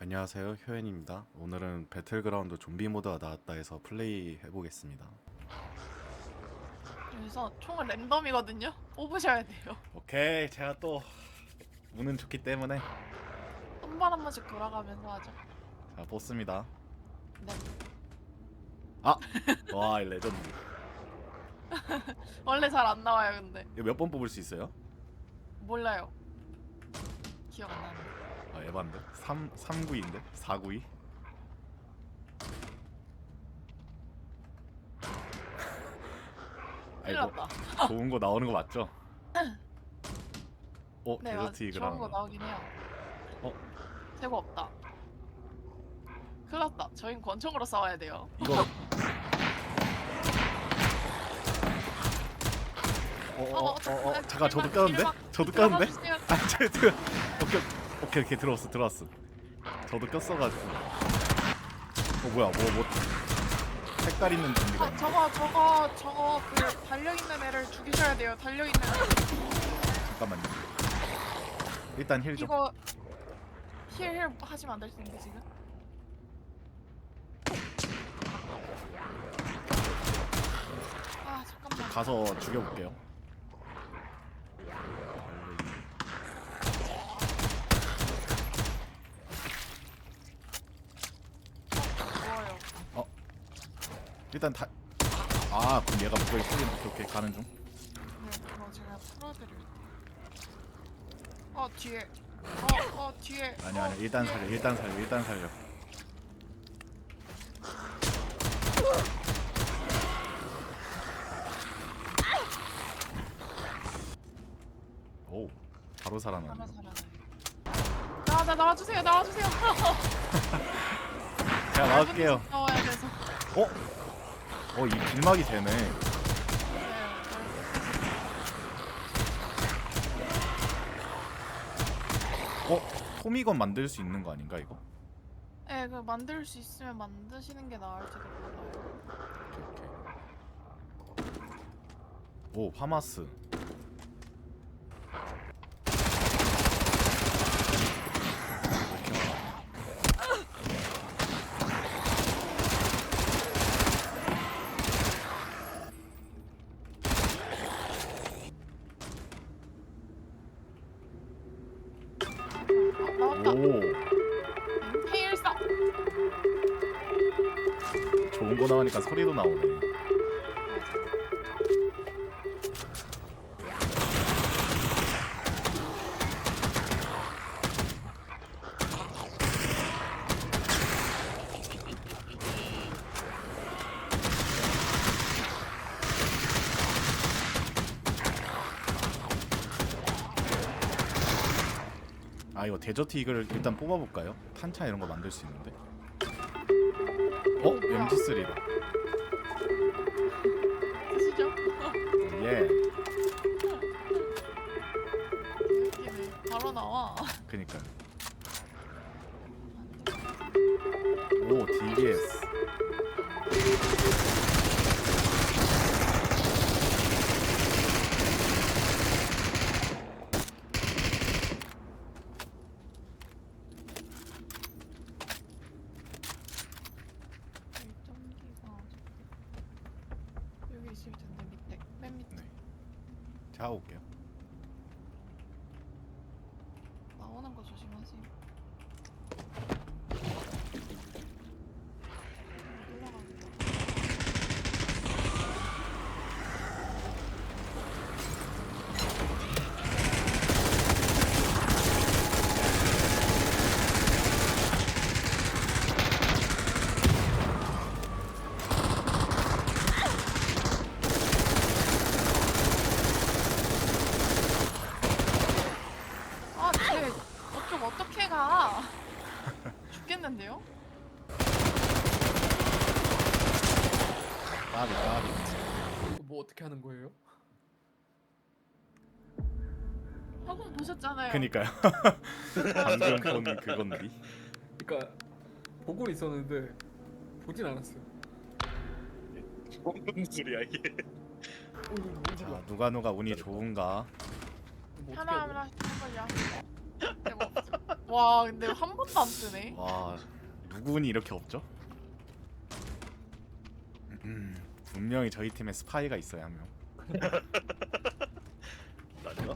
안녕하세요, 효연입니다. 오늘은 배틀그라운드 좀비 모드가 나왔다 해서 플레이 해보겠습니다. 그래서 총은 랜덤이거든요. 뽑으셔야 돼요. 오케이, 제가 또 운은 좋기 때문에 한 번 한 번씩 돌아가면서 하죠. 자, 뽑습니다. 네. 아! 와, 이 레전드. 원래 잘 안 나와요, 근데. 이거 몇 번 뽑을 수 있어요? 몰라요. 기억 안 나네. 아, 에반데? 3구인데? 4구이? 큰일 아이고, 났다. 좋은 거 나오는 거 맞죠? 네, 데저트 좋은 거 이그라운드. 나오긴 해요. 어? 재고 없다. 큰일 났다. 저흰 권총으로 싸워야 돼요. 이거 잠깐, 저도 꼈는데? 저도 꼈는데? 들어가주세요. 아, 오케이, 들어왔어. 저도 꼈어가지고. 뭐야, 색깔 있는 좀비가 있는데? 저거 그 달려있는 애를 죽이셔야 돼요. 달려있는 애. 잠깐만요. 일단 힐 좀. 이거 힐 하시면 안 될 텐데 지금. 아 잠깐만. 가서 죽여볼게요. 좋아요. 일단 그럼 얘가 목걸이 풀린. 오케이, 가는 중. 네, 그거 제가 풀어드릴게요. 뒤에. 뒤에. 아니야, 일단 살려. 오, 바로 살아나네. 하나 살아나요. 나와주세요. 제가 나갈게요. 나와야 돼서. 이 길막이 되네. 네, 토미건 만들 수 있는 거 아닌가 이거? 네, 그 만들 수 있으면 만드시는 게 나을지도 몰라요. 오케이. 오, 파마스. 나왔다. 오, 페일사. 좋은 거 나오니까 소리도 나오네. 이거 데저트 이글 일단 뽑아볼까요? 탄차 이런 거 만들 수 있는데. MG3다. 쓰시죠? 예. 웃기네. 바로 나와. 그니까요. 오, DBS. 점기가 여기 있을 텐데 밑에 맨 밑에 네. 제가 올게요. 나오는 거 조심하세요. 올라가겠다. 쟤 어쩜 어떻게 가? 죽겠는데요? 까비. 뭐 어떻게 하는 거예요? 학원 보셨잖아요. 그니까요. 방금 본 그건디. 그러니까 보고 있었는데 보진 않았어요. 무슨 소리야 이게? 이거 뭔지 자, 누가 운이 좋은가? 뭐 어떻게 하나하나 해야 돼? 해보려. 제가 없어. 와 근데 한 번도 안 뜨네. 와 누구니 이렇게 없죠? 분명히 저희 팀에 스파이가 있어요 한 명. 나가?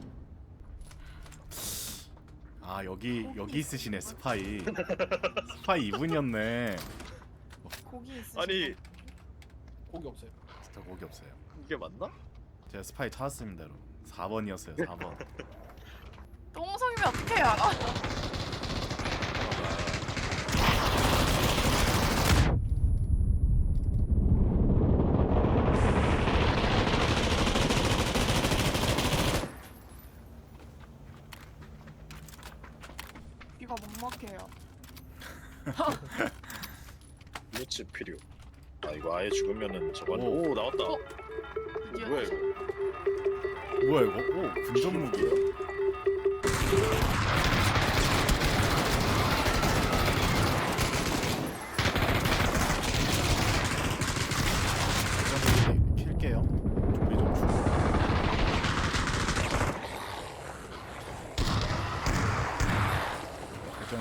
아 여기 있으시네 스파이. 스파이 이분이었네. 고기 있으신 아니 분? 고기 없어요. 진짜 고기 없어요. 이게 맞나? 제가 스파이 찾았습니다 여러분. 4번이었어요 4번. 똥성이면 어떻게 알아? 이거 못 먹게요. 루치 필요. 아 이거 아예 죽으면은 저건 오. 오 나왔다. 어? 드디어 뭐야 이거? 뭐야 이거? 오 군전 무기야? 킬게요. 좀비 좀 죽어. 일단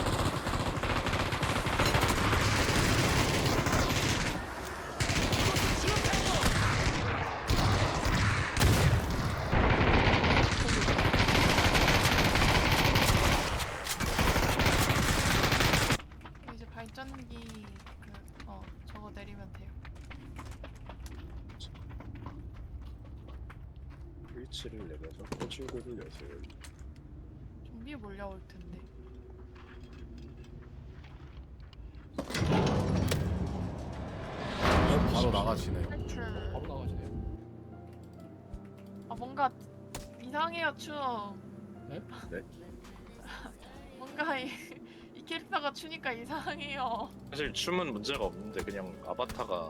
이제 발전기 저거 내리면 돼요. 스위치를 내려서 호출고를 여세요. 좀비 몰려올 텐데. 바로 나가시네요. 탈출. 바로 나가시네요. 아 뭔가 이상해요 춤. 네? 네? 뭔가 이 캐릭터가 추니까 이상해요. 사실 춤은 문제가 없는데 그냥 아바타가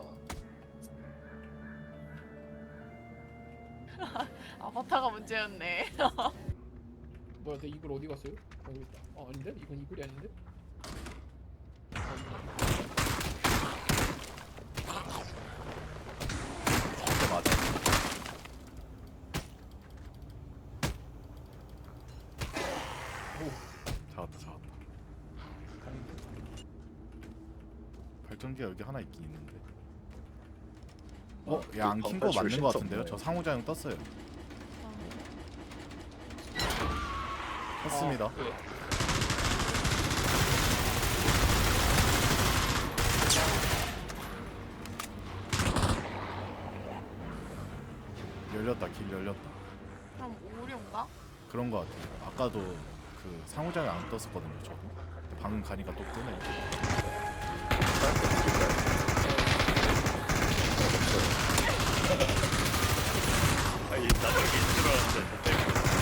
아바타가 문제였네. 뭐야, 내 이글 어디 갔어요? 여기 있다. 아닌데? 이건 이글이 아닌데? 진짜 맞아. 오, 잡았다. 발전기가 여기 하나 있긴 있는데. 얘 안 킨 거 맞는 거 같은데요? 저 상호작용 떴어요. 떴습니다. 아, 네. 열렸다, 길 열렸다. 그럼 오류인가? 그런 거 같아요. 아까도 그 상호작용 안 떴었거든요, 저도. 근데 방금 가니까 또 뜨네. 아니 나중에 들어왔는데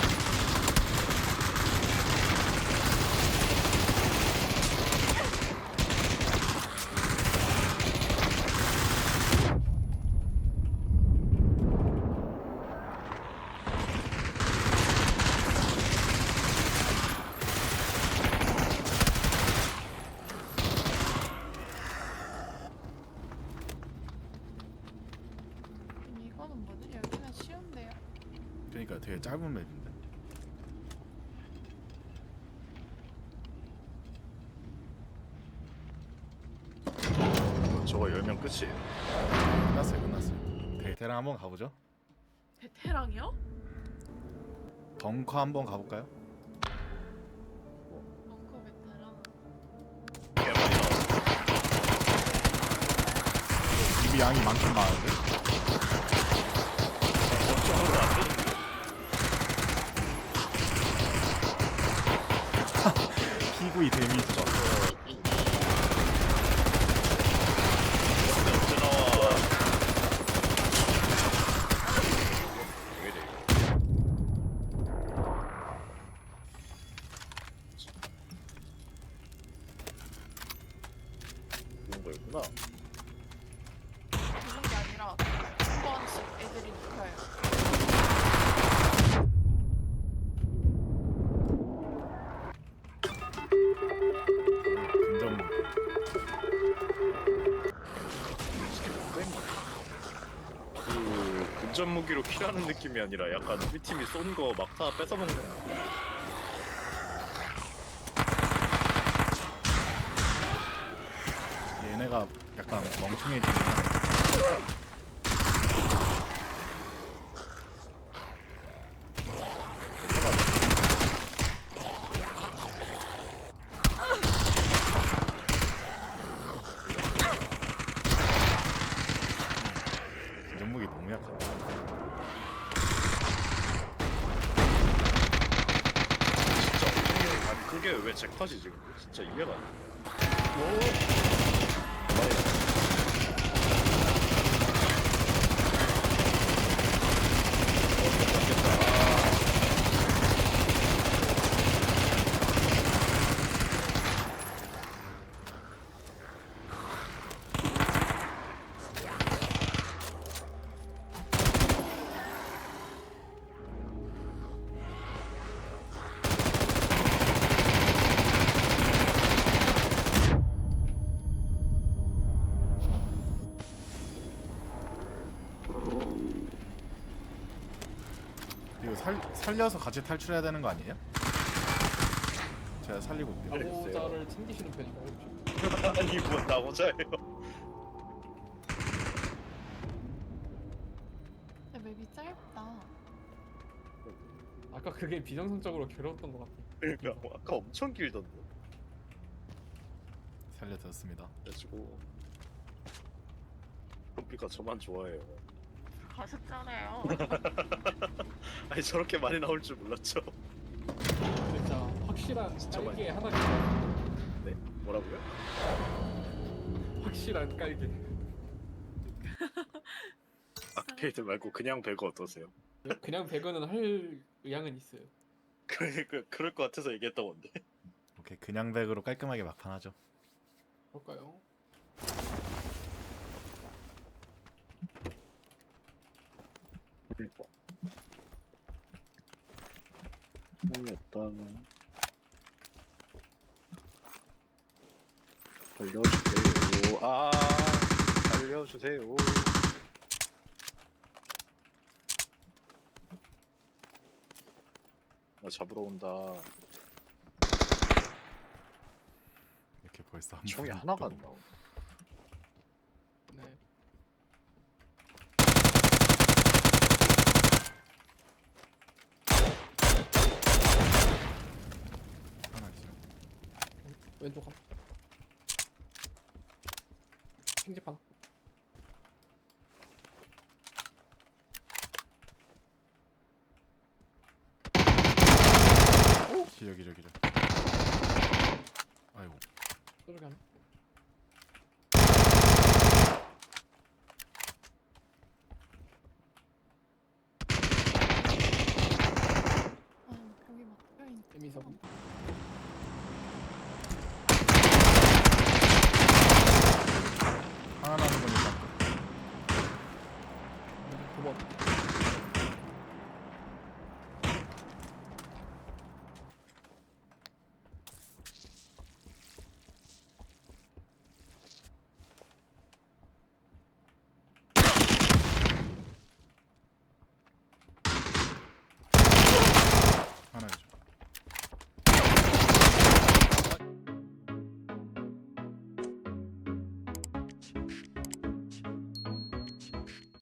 이거는 뭐지? 여기는 쉬운데요. 그러니까 되게 짧은 맵인데. 저거 열면 끝이에요. 끝났어요. 베테랑 한번 가보죠. 베테랑이요? 벙커 한번 가볼까요? 벙커 베테랑. 개 많이 나왔어. 입이 양이 많긴 많은데. 저거는 안 되는데. 피구이 데미지가. 언제 나와? 왜 이래? 그런 거였구나. 그런 게 아니라 한 번씩 애들이 눕혀요. 근접 무기. 그 근접 무기로 킬하는 느낌이 아니라 약간 우리 팀이 쏜 거 막타 뺏어먹는. 하다가 약간 멍청해지면 전무기 너무 약하다. 진짜 엄청 아니 그게 왜 잭팟이 지금 진짜 이해가 안 돼. 이거 살려서 같이 탈출해야 되는 거 아니에요? 제가 살리고 올게요. 나고자를 챙기시는 편인가요? 혹시? 아니 뭐 나고자예요. 근데 맵이 짧다. 아까 그게 비정상적으로 괴로웠던 것 같아. 그러니까 아까 엄청 길던데. 살려드렸습니다. 그래가지고 컴피가 저만 좋아해요. 가셨잖아요. 아니 저렇게 많이 나올 줄 몰랐죠. 진짜 확실한 진짜 깔개 하나 있어요. 네? 뭐라고요? 확실한 깔개. 아케이드 말고 그냥 배그 어떠세요? 그냥 배그는 할 의향은 있어요. 그럴 것 같아서 얘기했던 건데. 오케이, 그냥 백으로 깔끔하게 막판하죠. 볼까요? 모르겠다. 알려주세요. 아, 알려주세요. 나 잡으러 온다. 이렇게 벌써 한 총이 번 하나가 또 안 나오네. 네. 하나 있어요. 왼쪽 하나. 킹집 하나. 여기. 아이고. 저쪽에 하나. 아, 여기 막 뼈있네. 에미서.